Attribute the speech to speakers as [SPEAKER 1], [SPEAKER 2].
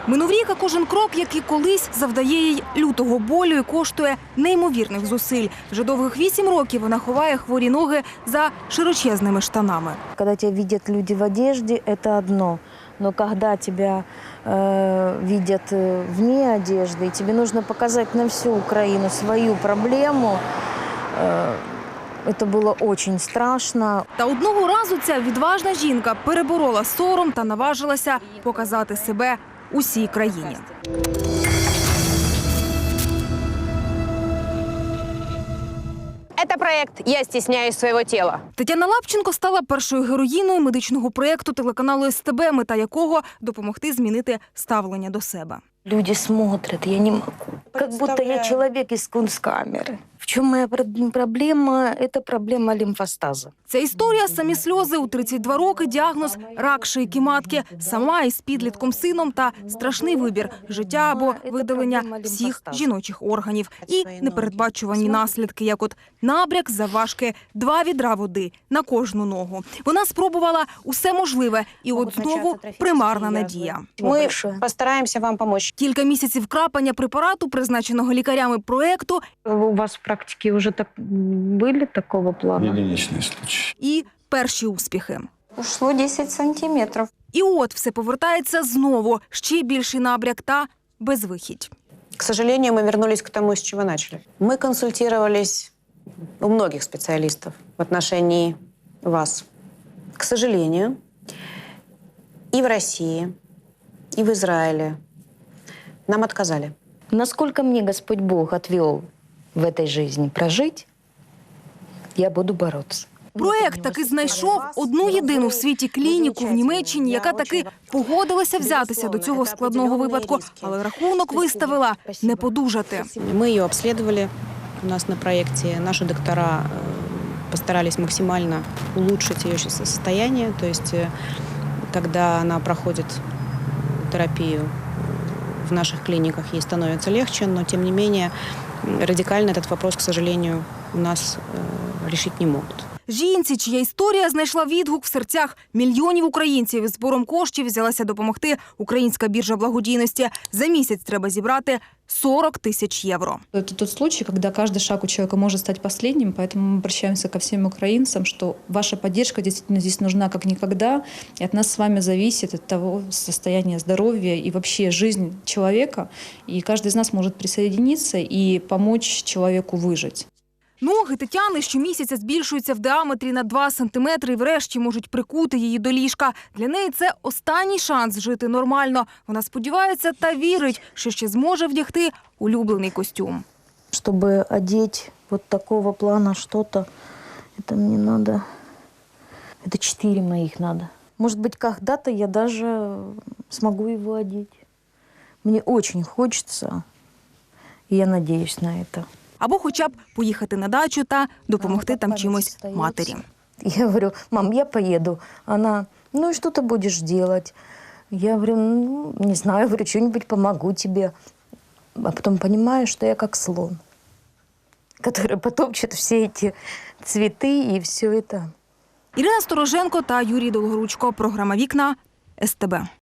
[SPEAKER 1] Минув рік, а кожен крок, як і колись, завдає їй лютого болю і коштує неймовірних зусиль. Вже довгих 8 років вона ховає хворі ноги за широчезними штанами.
[SPEAKER 2] Когда тебя видят люди в одежде, это одно. Но когда тебя видят вне одежды, и тебе нужно показать на всю Украину свою проблему, это было очень страшно.
[SPEAKER 1] Та одного разу ця відважна жінка переборола сором та наважилася показати себе усій країні.
[SPEAKER 3] Это проект «Я стесняюсь своего тела».
[SPEAKER 1] Тетяна Лапченко стала першою героїною медичного проєкту телеканалу СТБ, мета якого – допомогти змінити ставлення до себе.
[SPEAKER 2] Люди смотрят, я не могу. Как будто я человек из кунсткамеры. В чем моя проблема? Это проблема лимфостаза.
[SPEAKER 1] Ця історія – самі сльози. У 32 роки діагноз – рак шийки матки. Сама із підлітком сином та страшний вибір – життя або видалення всіх жіночих органів. І непередбачувані наслідки, як от набряк завважки 2 відра води на кожну ногу. Вона спробувала усе можливе. І от знову примарна надія.
[SPEAKER 3] Мы постараемся вам помочь.
[SPEAKER 1] Кілька місяців крапання препарату, призначеного лікарями проєкту,
[SPEAKER 2] У вас в практике уже были такого плана?
[SPEAKER 4] Единичный случай.
[SPEAKER 1] і перші успіхи.
[SPEAKER 5] Ушло 10 сантиметров.
[SPEAKER 1] І от все повертається знову. Ще більший набряк та безвихідь.
[SPEAKER 3] К сожалению, мы вернулись к тому, с чего начали. Мы консультировались у многих специалистов в отношении вас. К сожалению, и в России, и в Израиле нам отказали.
[SPEAKER 2] Насколько мне Господь Бог отвел в этой жизни прожить, я буду бороться.
[SPEAKER 1] Проєкт таки знайшов одну єдину в світі клініку в Німеччині, яка таки погодилася взятися до цього складного випадку, але рахунок виставила не подужати.
[SPEAKER 3] Мы ее обследовали у нас на проекте. Наши доктора постарались максимально улучшить ее состояние. То есть, когда она проходит терапию в наших клиниках, ей становится легче, но тем не менее радикально этот вопрос, к сожалению, у нас решить не могут.
[SPEAKER 1] Жінці, чия історія знайшла відгук в серцях мільйонів українців, із збором коштів взялася допомогти Українська біржа благодійності. За місяць треба зібрати 40 тисяч євро.
[SPEAKER 6] Это тот случай, когда каждый шаг у человека может стать последним, поэтому мы обращаемся ко всем украинцам, что ваша поддержка действительно здесь нужна как никогда, и от нас с вами зависит от того состояния здоровья и вообще жизнь человека, и каждый из нас может присоединиться и помочь человеку выжить.
[SPEAKER 1] Ноги Тетяни щомісяця збільшуються в діаметрі на 2 сантиметри і врешті можуть прикути її до ліжка. Для неї це останній шанс жити нормально. Вона сподівається та вірить, що ще зможе вдягти улюблений костюм.
[SPEAKER 2] Чтобы одеть вот такого плана что-то, это мне надо... Это 4 моих надо. Может быть, когда-то я даже смогу его одеть. Мне очень хочется, и я надеюсь на это.
[SPEAKER 1] Або хоча б поїхати на дачу та допомогти там чимось матері.
[SPEAKER 2] Я говорю: мам, я поеду. Она: ну и что ты будешь делать? Я говорю: ну, не знаю, говорю, что-нибудь помогу тебе. А потом понимаю, что я как слон, который потопчет все эти цветы и все это.
[SPEAKER 1] Ірина Стороженко та Юрій Долгоручко. Програма «Вікна» СТБ.